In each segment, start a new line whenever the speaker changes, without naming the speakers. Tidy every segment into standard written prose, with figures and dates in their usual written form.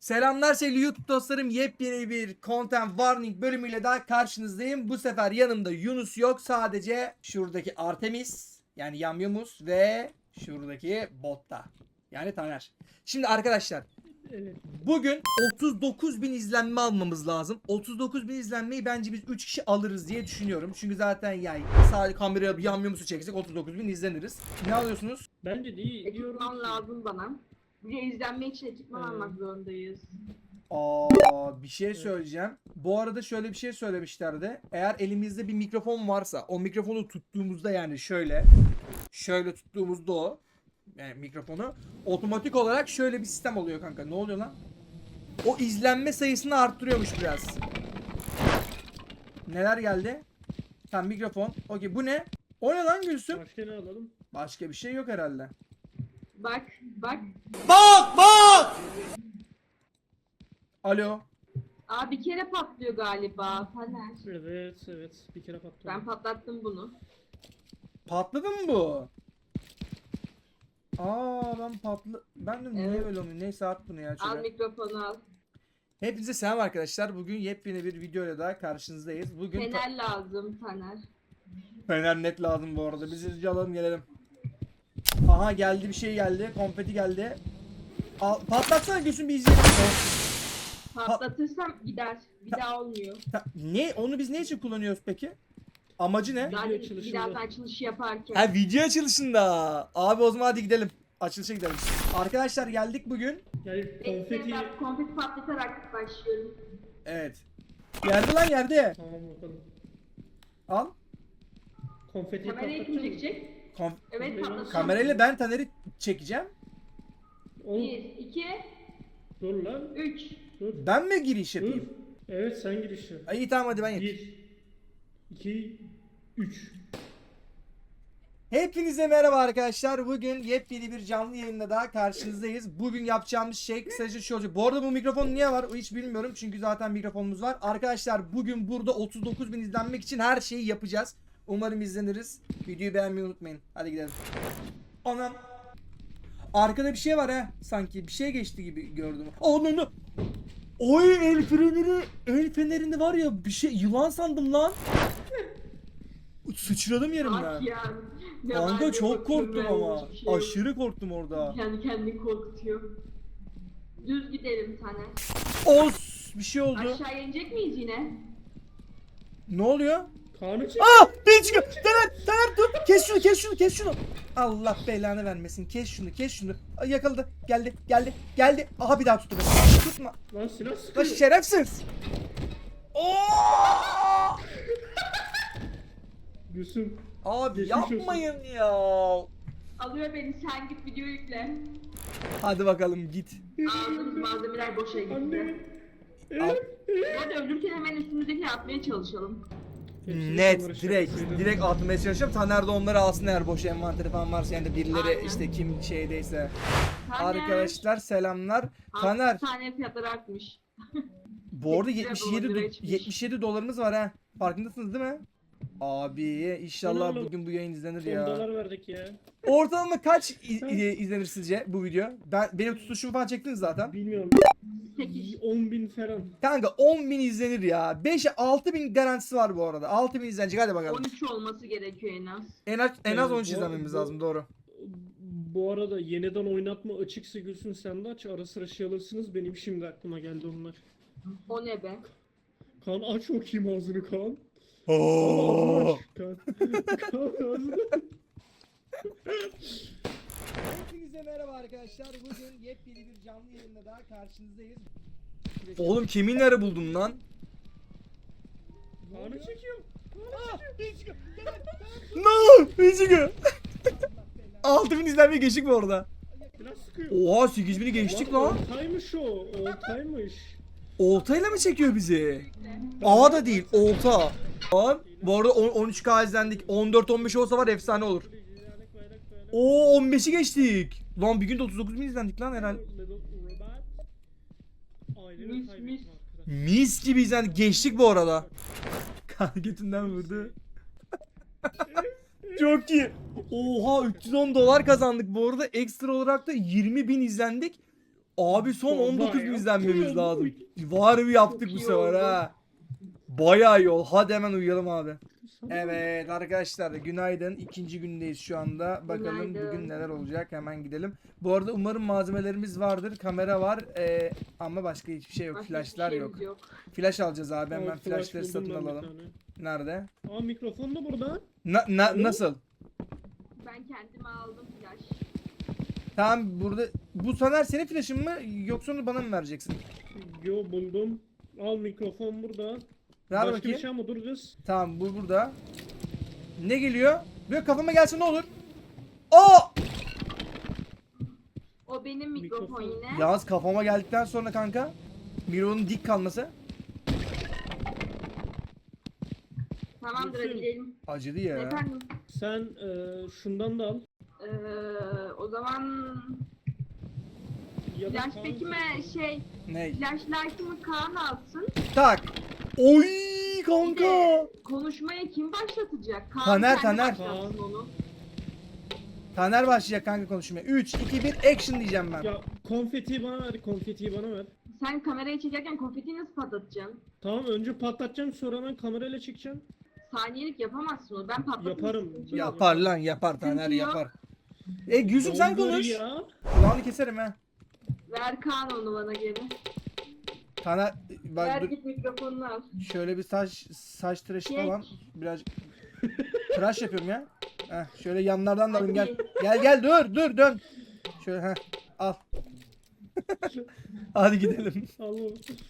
Selamlar sevgili YouTube dostlarım. Yepyeni bir Content Warning bölümüyle daha karşınızdayım. Bu sefer yanımda Yunus yok. Sadece şuradaki Artemis yani Yamyumus ve şuradaki Botta yani Taner. Şimdi arkadaşlar bugün 39.000 izlenme almamız lazım. 39.000 izlenmeyi bence biz 3 kişi alırız diye düşünüyorum. Çünkü zaten yani sadece kameraya Yamyumus'u çeksek 39.000 izleniriz. Ne alıyorsunuz?
Bence değil diyorum.
Ekipman lazım bana. Bir de izlenme için ekipman almak zorundayız.
Bir şey söyleyeceğim. Bu arada şöyle bir şey söylemişlerdi. Eğer elimizde bir mikrofon varsa o mikrofonu tuttuğumuzda yani şöyle tuttuğumuzda o yani mikrofonu otomatik olarak şöyle bir sistem oluyor kanka. Ne oluyor lan? O izlenme sayısını arttırıyormuş biraz. Neler geldi? Tamam mikrofon. Okey bu ne? O ne lan Gülsüm?
Başka ne alalım?
Başka bir şey yok herhalde.
Bak.
Alo.
Aa bir kere patlıyor galiba. Taner.
Evet. Bir kere patladı.
Ben patlattım bunu.
Patladı mı bu? Ben de niye
Evet.
böyle olmuyor? Neyse at bunu ya
Al
şöyle.
mikrofonu al.
Hepinize selam arkadaşlar. Bugün yepyeni bir videoyla daha karşınızdayız. Bugün
Fener lazım Taner.
Fener net lazım bu arada. Biz hızlıca alalım gelelim. Aha geldi bir şey geldi. Konfeti geldi. Patlatsana Gülsün bir izleyelim.
Patlatırsam gider. Bir daha olmuyor.
Ne? Onu biz ne için kullanıyoruz peki? Amacı ne?
Video
Yani
açılışında.
birazdan açılışı yaparken.
Ha video açılışında. Abi o zaman hadi gidelim. Açılışa gidelim. Arkadaşlar geldik bugün.
Yani konfeti...
Ben konfeti patlatarak başlıyorum.
Evet. Yerde lan yerde.
Tamam bakalım.
Al.
Konfetiyi
Kamerayı kim
patlatacak mısın?
çekecek?
Kom-
Evet patlatacağım.
Kamerayla ben Taner'i çekeceğim.
1,
Oğlum
2,
dur lan.
3.
Dur.
Ben mi giriş
Dur.
yapayım?
Evet sen giriş yap.
İyi tamam hadi ben yapayım.
1 2 3
Hepinize merhaba arkadaşlar. Bugün yepyeni bir canlı yayında daha karşınızdayız. Bugün yapacağımız şey kısaca şu olacak. Bu arada bu mikrofon niye var? Hiç bilmiyorum. Çünkü zaten mikrofonumuz var. Arkadaşlar bugün burada 39.000 izlenmek için her şeyi yapacağız. Umarım izleniriz. Videoyu beğenmeyi unutmayın. Hadi gidelim. Anam. Arkada bir şey var ha. Sanki bir şey geçti gibi gördüm. Ananı. Oy el fenerini var ya bir şey yılan sandım lan. Sıçradım yerimden.
Bak ya. Ne
Kanka
var,
çok
ne bakıyorum
korktum
ben,
ama.
hiçbir şey yok.
Aşırı korktum orada.
Kendi kendini korkutuyor. Düz gidelim Taner.
Os bir şey oldu.
Aşağı inecek miyiz yine?
Ne oluyor?
Kaan'ı çek.
Bir çıkıyor. Taner dur. Kes şunu. Allah belanı vermesin. Kes şunu. Ay, yakaladı. Geldi. Aha bir daha tuttu beni. Tutma.
Lan silah
Lan
sıkıyor.
şerefsiz. Oo!
Gülsüm.
Abi
Geçmiş olsun.
yapmayın ya.
Alıyor beni, sen git video yükle.
Hadi bakalım git.
Aldığımız malzemeler boşa gitti.
Anne.
Al.
Hadi ölürken hemen üstümüzdekini atmaya çalışalım.
Net direkt atmaya çalışacağım. Taner de onları alsın eğer boş envanteri falan varsa yani de birileri
Aynen.
işte kim şeydeyse.
Taner.
Arkadaşlar selamlar.
Altı
Taner
tane fiyatları artmış.
bu arada
8 liraya çıkmış.
77 dolarımız var ha. Farkındasınız değil mi? Abi inşallah
Oğlum,
bugün bu yayın izlenir
$10
ya.
verdik ya.
Ortalama kaç izlenir sizce bu video? Benim tutuşumu falan çektiniz zaten.
Bilmiyorum.
8.
10.000 falan.
Kanka 10.000 izlenir ya. 6.000 garantisi var bu arada. 6.000 izlenecek hadi bakalım.
13 olması gerekiyor en az.
En az
Evet,
13
bu-
izlenmemiz
bu-
lazım doğru.
Bu arada yeniden oynatma açıksa Gülsün sen de aç. Ara sıra şey alırsınız. Benim şimdi aklıma geldi onlar.
O ne be?
Kaan aç bakayım ağzını Kaan. Ağzını aç. Kaan. Kaan ağzını.
Hepinize merhaba arkadaşlar. Bugün yepyeni bir canlı yayında daha karşınızdayız. Oğlum kiminleri buldun lan?
Kaan'ı çekiyor.
No! Üzgün. 6.000 izlenme geçtik mi orada?
Biraz sıkıyor.
Oha 8.000'i geçtik lan.
Oltaymış o. Oltaymış.
Oltayla mı çekiyor bizi? A da değil, olta. Lan bu arada 13K izlendik. 14-15 olsa var efsane olur. Oo 15'i geçtik. Lan bir günde 39.000 izlendik lan herhalde.
Mis.
Mis gibi izlendik. Geçtik bu arada. Kan götünden vurdu. Çok iyi. Oha 310 dolar kazandık bu arada. Ekstra olarak da 20.000 izlendik. Abi son 19 bin
Bayağı
izlenmemiz
oldu.
lazım. Var mı yaptık
Çok
bu
iyi
sefer
oldu.
ha. Bayağı yol. Hadi hemen uyuyalım abi. Evet arkadaşlar günaydın. İkinci gündeyiz şu anda. Bakalım
Günaydın.
bugün neler olacak. Hemen gidelim. Bu arada umarım malzemelerimiz vardır. Kamera var. Ama başka hiçbir şey yok.
Başka
Flashlar
hiçbir
yok.
şeyimiz yok.
Flash alacağız abi. Hemen
Aa, flash
flashları
buldum
satın
ben bir
alalım.
tane.
Nerede?
Aa mikrofon da burada. Alo?
Nasıl?
Ben kendime aldım flash.
Tamam burada. Bu Taner senin flash'ın mı yoksa onu bana mı vereceksin?
Yo buldum. Al mikrofon burada.
Ver
Başka
bakayım.
bir şey ama dur kız.
Tamam bu burada. Ne geliyor? Böyle kafama gelse ne olur? Aa!
O benim mikrofon
Mikrofon.
yine.
Yalnız kafama geldikten sonra kanka Miro'nun dik kalması
Tamamdır
Gülsüm.
hadi gidelim.
acıdı ya.
Efendim.
Sen şundan da al.
O zaman
Ya da
flash peki mi şey
Ne?
flashlight'ımı Kaan alsın.
Tak. Oy
Bir
kanka.
de konuşmaya kim başlatacak? Kaan
Taner,
kendi
Taner.
başlatsın onu.
Taner başlayacak kanka konuşmaya. 3, 2, 1 action diyeceğim ben.
Ya konfetiyi bana ver, konfetiyi bana ver.
Sen kamerayı çekerken konfetiyi nasıl patlatacaksın?
Tamam önce patlatacağım sonra ben kamerayla çekeceğim.
Saniyelik yapamazsın onu. Ben patlatırım.
Yaparım.
sıkıntı yok.
Yapar lan yapar Taner
Sıkıntı yok.
yapar. Gülsüm sen
Dondur
konuş.
ya.
Kulağını keserim ha.
Ver Kaan onu bana geri.
Taner
Ver
bak dur,
git mikrofonunu al.
şöyle bir saç tıraşı
Çek.
falan biraz tıraş yapıyorum ya. Heh, şöyle yanlardan da alayım gel.
Hadi.
Gel dur dön. Şöyle heh, al. Hadi gidelim.
Allah.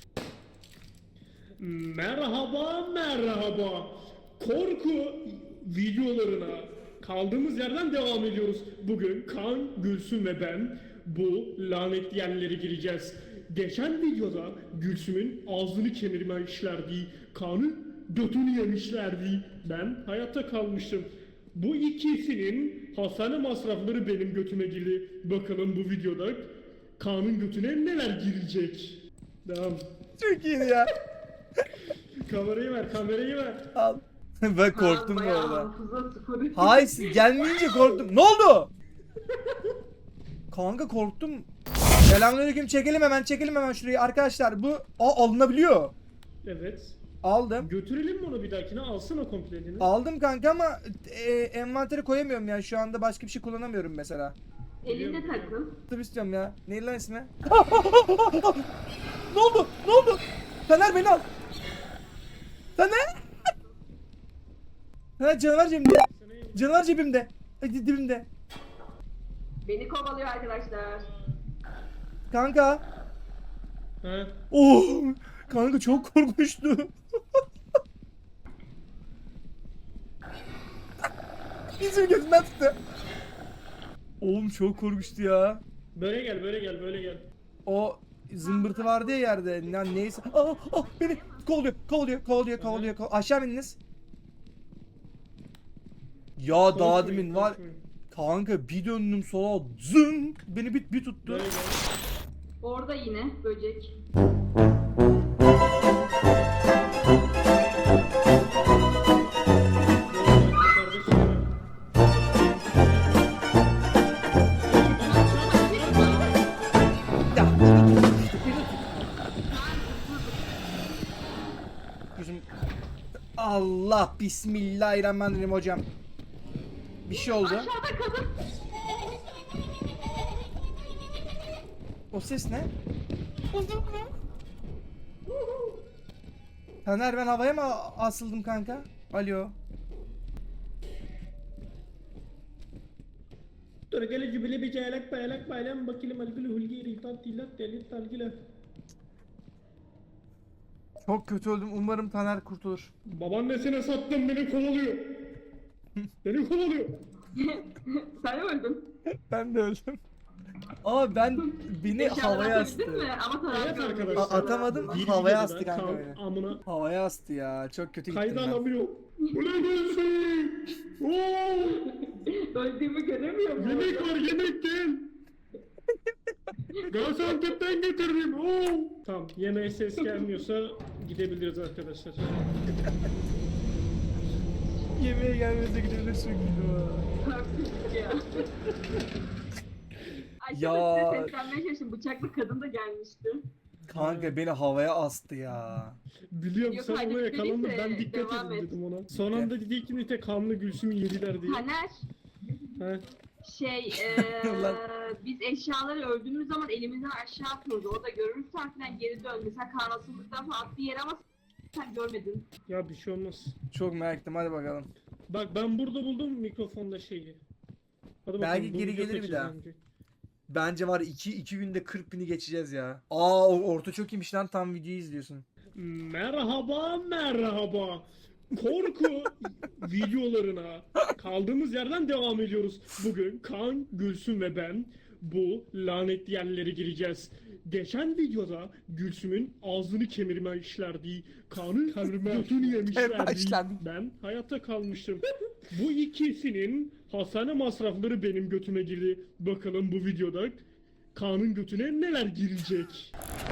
Merhaba merhaba. Korku videolarına kaldığımız yerden devam ediyoruz. Bugün Kaan, Gülsüm ve ben bu lanetli yerlere gireceğiz. Geçen videoda Gülsüm'ün ağzını kemirmişlerdi. Kaan'ın götünü yemişlerdi. Ben hayatta kalmıştım. Bu ikisinin hastane masrafları benim götüme girdi. Bakalım bu videoda Kaan'ın götüne neler girecek. Devam.
Çok iyi ya.
Kamerayı ver, kamerayı ver.
Al. Ben korktum bu
Bayağı
arada.
hafıza sıfır.
Hayır siz gelmeyince korktum. Ne oldu? Kanka korktum. Selamünaleyküm çekelim hemen şurayı. Arkadaşlar bu alınabiliyor.
Evet.
Aldım.
Götürelim mi onu bir dahakine? Alsana komplelini.
Aldım kanka ama envantere koyamıyorum yani şu anda başka bir şey kullanamıyorum mesela.
Elinde takıl.
Tıp istiyorum ya. Neydi lan ismi? Ne oldu? Ne oldu? Taner beni al. Taner. Ha canavar cebimde. Canavar cebimde. Dibimde.
Beni kovalıyor arkadaşlar.
Kanka.
Ha?
Oh. Kanka çok korkmuştu. Bizim gözümden tuttu. Oğlum çok korkmuştu ya.
Böyle gel, böyle gel, böyle gel.
O zımbırtı vardı ya yerde. Neyse. Beni kovalıyor. Aşağı mı indiniz? Ya daha demin var.
Konuşmayın.
Kanka bir döndüm sola zın beni bir tuttu.
Böyle gel.
Orada yine böcek.
Yukarıda şey var.
Ya. Gözüm. Allah bismillahirrahmanirrahim hocam. Bir şey oldu.
Aşağıda kadın.
O ses ne? Taner ben havaya mı asıldım kanka? Alo.
Dur gel cübile bir çaylak paylak paylan bakilim algılı hulgi ritat tilat delit talgile.
Çok kötü öldüm. Umarım Taner kurtulur.
Babaannesine sattın beni kovalıyor. Beni kovalıyor.
Sen öldün.
Ben de öldüm. Aa beni
Eşyaları
havaya
atabildin
astı.
mi? Ama Taner
Evet
görmedi
arkadaşlar.
eşyaları.
Atamadım.
Bir
Havaya
videoda
astı kanka
Kaan
beni.
amına
Havaya astı ya. Çok kötü gittim
kayda
ben.
alamıyor. Ulan gelsin. Oo!
Öldüğümü göremiyor mu?
Yemek var yemek gel. Gaziantep'ten getirdim. Oo! Tamam yemeğe ses gelmiyorsa gidebiliriz arkadaşlar.
Yemeğe gelmenize gidebilirsin.
Korktuk ya. Aşağıda
Ya.
size seslenmeye çalıştım. Bıçaklı kadın da gelmişti.
Kanka beni havaya astı ya.
Biliyorum
Yok,
sen
hadi
ona yakalandın,
dediyse
ben dikkat
devam
edin
et.
dedim ona. Son anda dedi ki Nite kanlı Gülsüm'ü yediler diye.
Taner,
He.
Lan.
biz eşyaları öldüğümüz zaman elimizden aşağı atıyordu. Orada görürsen falan geri dön. Mesela karnasızlıktan falan attığı yer ama sen görmedin.
Ya bir şey olmaz.
Çok merak ettim, hadi bakalım.
Bak ben burada buldum mikrofonda şeyi. Hadi
Belki
bu
geri
video
gelir bir
kaçacağız
daha.
önce.
Bence var 2 günde 40.000'i geçeceğiz ya. Aa, orta çok iyiymiş lan, tam videoyu izliyorsun.
Merhaba merhaba. Korku videolarına kaldığımız yerden devam ediyoruz. Bugün Kaan, Gülsüm ve ben bu lanetli yerlere gireceğiz. Geçen videoda Gülsüm'ün ağzını kemirmişlerdi. Kaan'ın götünü yemişlerdi.
Başlandık.
Ben hayatta kalmıştım. Bu ikisinin hastane masrafları benim götüme girdi. Bakalım bu videoda Kaan'ın götüne neler girecek?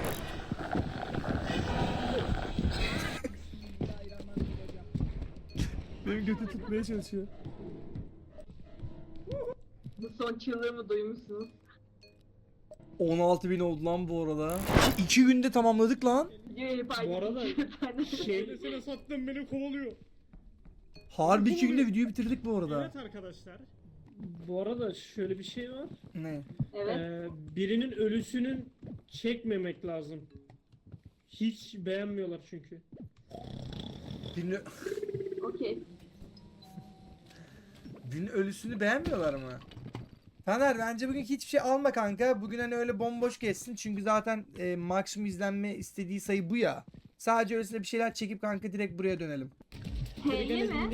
Benim götü tutmaya çalışıyor.
Bu son çığlığımı duymuşsunuz.
16.000 oldu lan bu arada. 2 günde tamamladık lan.
Videoyu fark
Bu arada
ettim.
Söylesene sattım beni kovalıyor.
Harbi 2 günde videoyu bitirdik bu arada.
Evet arkadaşlar. Bu arada şöyle bir şey var.
Ne?
Evet.
Birinin ölüsünün çekmemek lazım. Hiç beğenmiyorlar çünkü.
Birinin,
Okey.
birinin ölüsünü beğenmiyorlar mı? Taner, bence bugün hiçbir şey alma kanka. Bugün hani öyle bomboş geçsin. Çünkü zaten maksimum izlenme istediği sayı bu ya. Sadece öylesine bir şeyler çekip kanka direkt buraya dönelim.
H'ye mi?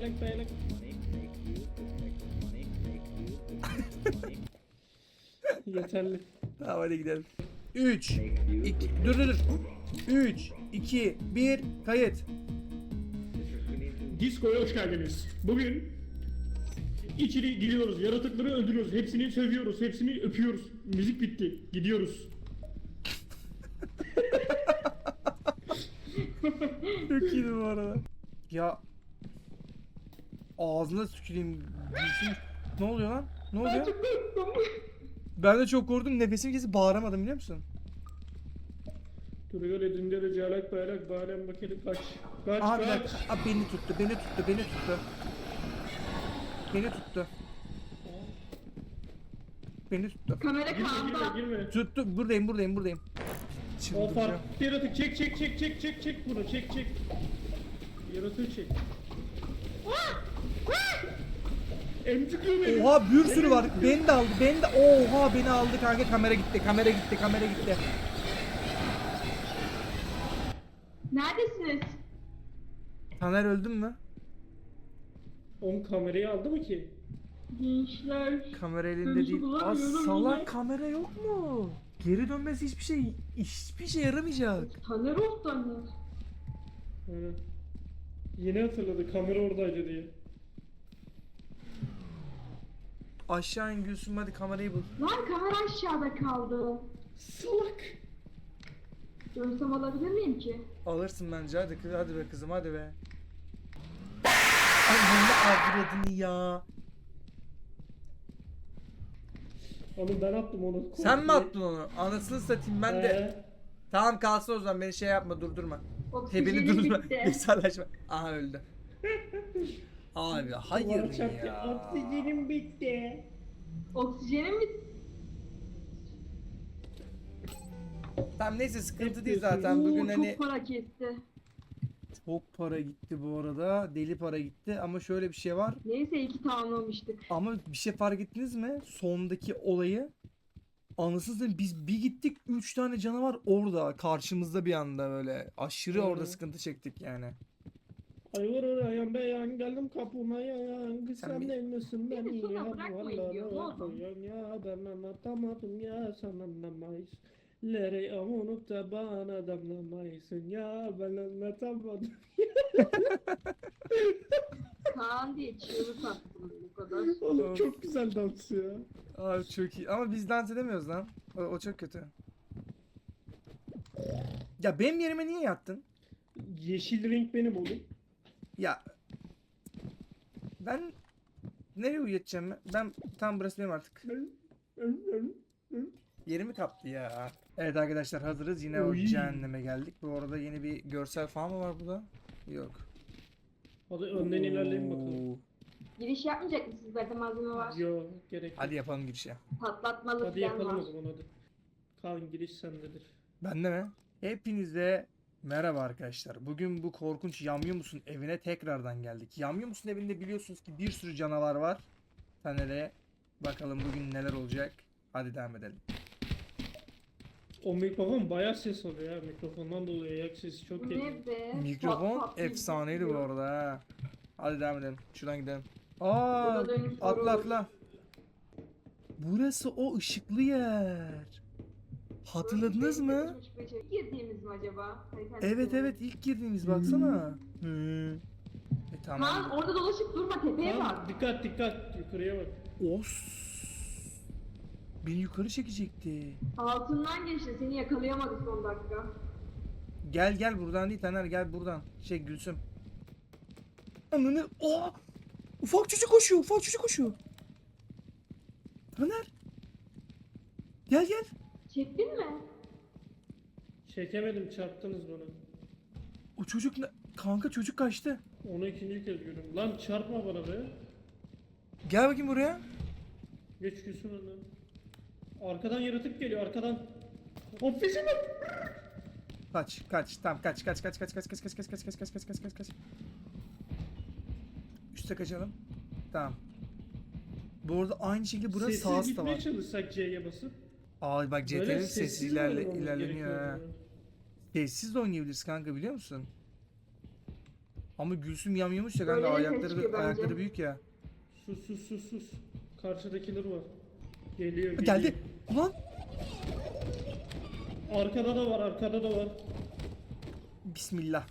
Yeterli.
Tamam, hadi gidelim. 3 2 dur. 3 2 1 kayıt.
Disko'ya hoş geldiniz. Bugün içeri giriyoruz, yaratıkları öldürüyoruz, hepsini sövüyoruz, hepsini öpüyoruz. Müzik bitti, gidiyoruz.
Çok iyiydi bu arada. Ya ağzına tüküreyim. Gülsüm. Ne oluyor lan? Ne oluyor? Ben de çok korktum. Nefesim kesip bağıramadım, biliyor musun?
Duruyor edinde de calak bayrak bağıran bakalım kaç. Kaç
Aha, bir
kaç.
dakika. Aa, beni tuttu. Beni tuttu.
Kamera
Girme
Kaan'da.
girme.
Tuttu. Buradayım. Şimdi
O
duracağım.
fark yaratık çek bunu çek. Yaratığı çek. Emcikliyor beni.
Oha, bir sürü var. Beni de aldı. Oha, beni aldı kanka. Kamera gitti.
Neredesiniz?
Taner öldün mü?
On kamerayı aldı mı ki?
Gençler.
Kamera elinde
Dönüşü
değil. Aa,
bulamıyorum
salak,
yine.
kamera yok mu? Geri dönmesi hiçbir şey yaramayacak.
Taner ol Taner.
Evet. Yeni hatırladı kamera oradaydı diye.
Aşağı in Gülsüm, hadi kamerayı bul.
Lan kamera aşağıda kaldı.
Salak.
Dönsem alabilir miyim ki?
Alırsın bence, hadi be kızım, hadi be. Ay, ne avradını ya.
Onu ben attım onu.
Sen mi attın onu? Anasını satayım ben de. Tamam, kalsın o zaman, beni şey yapma, durdurma. He, beni
Oksijenim
durdurma.
bitti.
Mesajlaşma. Aha, öldü. Abi hayır ya.
Oksijenim bitti.
Oksijenim bitti.
Tamam, neyse, sıkıntı
Hep
değil
diyorsun.
zaten. Bugün
Oo,
hani
çok para kesti.
çok para gitti bu arada. Deli para gitti ama şöyle bir şey var.
Neyse 2 tamamlamıştık.
Ama bir şey fark ettiniz mi? Sondaki olayı. Anasını satayım, biz bir gittik, 3 tane canavar orada karşımızda bir anda, böyle aşırı orada
Hı.
sıkıntı çektik yani.
Ayvar arayan beyan geldim kapıma yayan. Kız
Sen
sen
bir-
değil misin
Beni
beni
sonra
ya
bırakmayın diyor, ne oldu?
koyan ya ben anlatamadım ya sen anlamayız. Lere avunup da bana damlamayısın ya ben anlatamadım.
Kaan diye çığlık attım bu kadar.
Oğlum
Of.
çok güzel dans ya.
Abi çok iyi ama biz dans edemiyoruz lan. O çok kötü. Ya benim yerime niye yattın?
Yeşil renk benim oğlum.
Ya ben nereye uyuyacağım ben? Ben tam burası benim artık. Yerimi kaptı ya. Evet arkadaşlar hazırız. Yine o
Oy.
cehenneme geldik. Bu arada yeni bir görsel falan mı var burada? Yok.
Hadi önden ilerleyin bakalım.
Oo.
Giriş yapmayacak mısınız? Zaten malzeme var.
Yo, gerek yok.
Hadi yapalım girişe.
Patlatmalı
Hadi
falan
yapalım
var.
o zaman hadi. Kaan giriş sendedir.
Bende mi? Hepinize merhaba arkadaşlar. Bugün bu korkunç Yamyum musun evine tekrardan geldik. Yamyum musun evinde biliyorsunuz ki bir sürü canavar var. Taner'e bakalım bugün neler olacak. Hadi devam edelim.
O mikrofon bayağı ses alıyor ya. Mikrofondan dolayı ayak sesi çok
Bu
geliyor.
ne be?
Mikrofon
Pat pat diye
efsaneydi bu
gidiyor.
arada ha. Hadi devam edelim. Şuradan gidelim. Aa,
Burada dönüş
atla
soru
atla. Burası o ışıklı yer. Hatırladınız mı?
Girdiğimiz mi acaba?
Evet evet ilk girdiğimiz baksana. Tamam.
Kaan orada dolaşıp durma, tepeye
Kaan
bak.
dikkat dikkat yukarıya bak.
Os. Beni yukarı çekecekti.
Altından geçti, seni yakalayamadı son dakika.
Gel gel buradan değil Taner gel buradan. Şey Gülsüm. Ananı. Oh! Ufak çocuk koşuyor. Ufak çocuk koşuyor. Taner. Gel gel.
Çektin mi?
Çekemedim, çarptınız bana.
O çocuk ne? Kanka çocuk kaçtı.
Onu ikinci kez görüyorum. Lan çarpma bana be.
Gel bakayım buraya.
Geç Gülsün önden. Arkadan yaratık geliyor arkadan. Ofise bak.
Kaç kaç tamam kaç kaç kaç kaç kaç kaç kaç kaç kaç kaç kaç kaç kaç kaç kaç. Üste kaçalım. Tamam. Bu arada aynı şekilde burası
Sessiz
sağ da
gitmeye
var.
çalışsak C'ye basıp.
Aa bak
Böyle
CTRL sessiz
sessiz oynamamız
ilerleniyor
gerekiyor
ha.
ya.
Sessiz de oynayabiliriz kanka biliyor musun? Ama Gülsüm yamyamış ya kanka
Böyle de ses
ayakları
çıkıyor bence.
ayakları büyük ya.
Sus sus sus sus. Karşıdakiler var. Geliyor geliyor.
Geldi. Ulan
Arkada da var arkada da var.
Bismillah.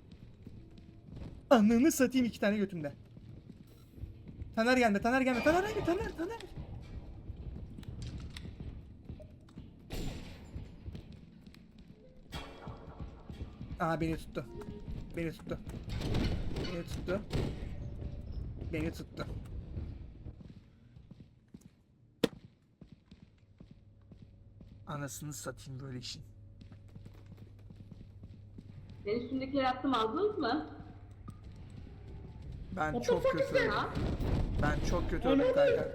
Ananı satayım iki tane götümde. Taner gelme, Taner gelme, Taner gelme, Taner. Aha beni tuttu. Beni tuttu. Beni tuttu. Beni tuttu. Anasını satayım böyle işin.
Ben üstündekileri attım, aldınız mı?
Ben
What
çok
the fuck
kötü
is
öldüm.
Ha?
Ben çok kötü öldüm kanka.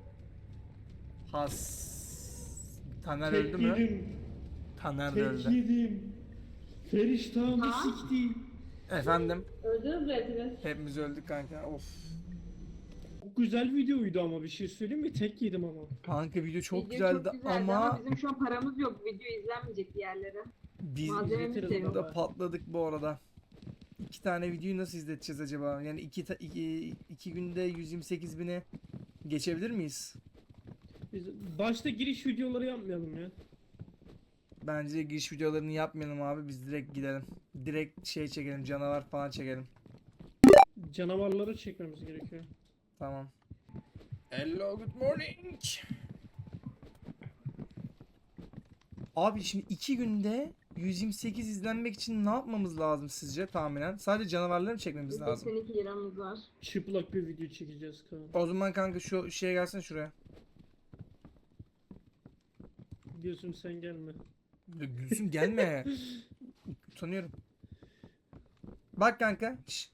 Has. Taner
Tek
öldü mü?
yedim.
Taner de
Tek
öldü.
yedim. Feriştahımı
Ha?
siktim.
Efendim?
Öldünüz mü hepiniz?
Hepimiz öldük kanka. Of.
Çok güzel videoydu ama bir şey söyleyeyim mi? Tek yedim ama.
Kanka video çok
Video
güzeldi, ama
bizim şu an paramız yok. Video izlenmeyecek diğerlere.
biz
Malzememiz de
izletiriz
yok.
burada patladık bu arada. İki tane videoyu nasıl izleteceğiz acaba? Yani iki günde 128 bini geçebilir miyiz?
Biz başta giriş videoları yapmayalım ya.
Bence giriş videolarını yapmayalım abi. Biz direkt gidelim. Direkt şey çekelim, canavar falan çekelim.
Canavarları çekmemiz gerekiyor.
Tamam. Hello, good morning. Abi şimdi 2 günde 128 izlenmek için ne yapmamız lazım sizce tahminen? Sadece canavarları mı çekmemiz lazım?
82 liramız var.
Çıplak bir video çekeceğiz Kaan.
O zaman kanka şu şeye gelsene şuraya.
Diyorsun sen gelme.
Ya Gülsüm gelme. Utanıyorum. Bak kanka. Şş.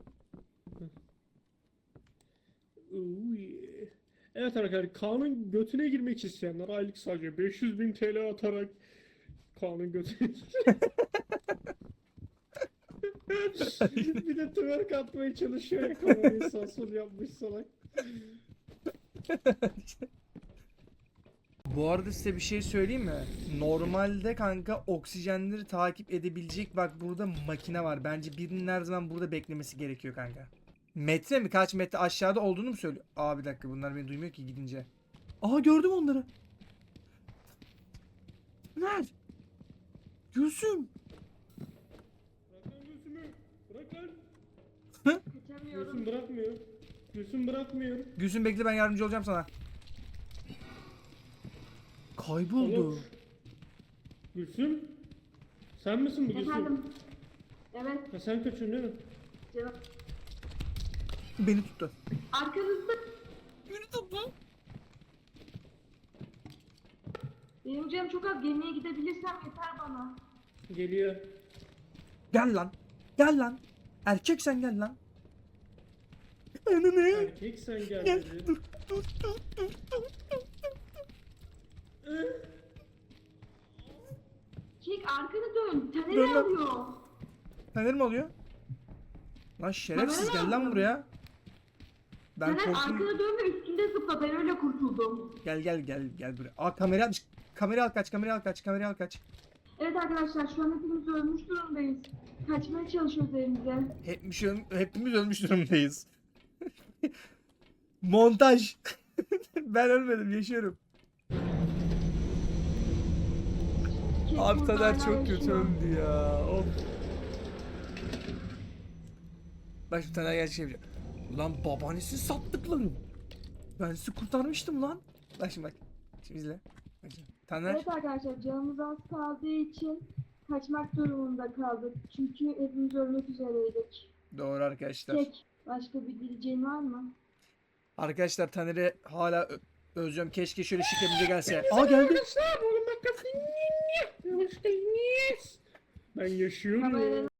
Ooh yeah. Evet arkadaşlar, Kaan'ın götüne girmek isteyenler aylık sadece 500.000 TL atarak Kaan'ın götüne bir de twerk atmaya çalışıyor ya, kamerayı sağ sol yapmış salak.
Bu arada size bir şey söyleyeyim mi? Normalde kanka oksijenleri takip edebilecek bak burada makine var. Bence birinin her zaman burada beklemesi gerekiyor kanka. Metre mi? Kaç metre aşağıda olduğunu mu söylüyor? Aa bir dakika bunlar beni duymuyor ki gidince. Aha gördüm onları. Nerede? Gülsüm.
Bırak lan Gülsüm'ü. Bırak lan.
Kaçamıyorum.
Gülsüm bırakmıyor. Gülsüm bırakmıyor.
Gülsüm bekle ben yardımcı olacağım sana. Kayboldu.
Oğlum. Gülsüm. Sen misin bu Gülsüm?
Efendim. Evet.
Ha, sen kaçıyorsun değil mi?
Cevap.
Beni tuttu.
Arkanızda.
Beni tuttu.
Benim canım çok az, gemiye gidebilirsem yeter bana.
Geliyor.
Gel lan. Gel lan. Erkek sen gel lan. Ananı.
Erkek sen gel
Gel.
dedi.
Dur dur dur dur dur.
Kek arkanı dön.
Dön
Taner
lan.
alıyor.
Taner mi oluyor? Lan şerefsiz
Taner
gel lan
aldım.
buraya. Ben
Taner
korktum.
arkana dön ve üstünde zıpla. Ben öyle kurtuldum.
Gel buraya. Aa kamerayı almış. Kamerayı al kaç, kamerayı al kaç, kamerayı al kaç.
Evet arkadaşlar, şu an hepimiz ölmüş durumdayız. Kaçmaya çalışıyoruz evimize.
Hepimiz ölmüş durumdayız. Montaj. Ben ölmedim, yaşıyorum.
Kek
Abi
burada
Taner
hala
çok kötü
yaşıyor.
öldü ya. Of. Bak şimdi Taner gerçek yapacak. Ulan babaannesi sattık lan. Ben sizi kurtarmıştım lan. Bak şimdi bak. Şimdi izle. Bak şimdi. Taner.
Evet arkadaşlar, canımız az kaldığı için kaçmak durumunda kaldık. Çünkü hepimiz ölmek üzereydik.
Doğru arkadaşlar.
Kek, başka bir diyeceğin var mı?
Arkadaşlar Taner'i hala özlüyorum. Keşke şöyle şikemize gelse. Aa geldi.
Arkadaşlar oğlum bak. Ben yaşıyorum.
Kameranın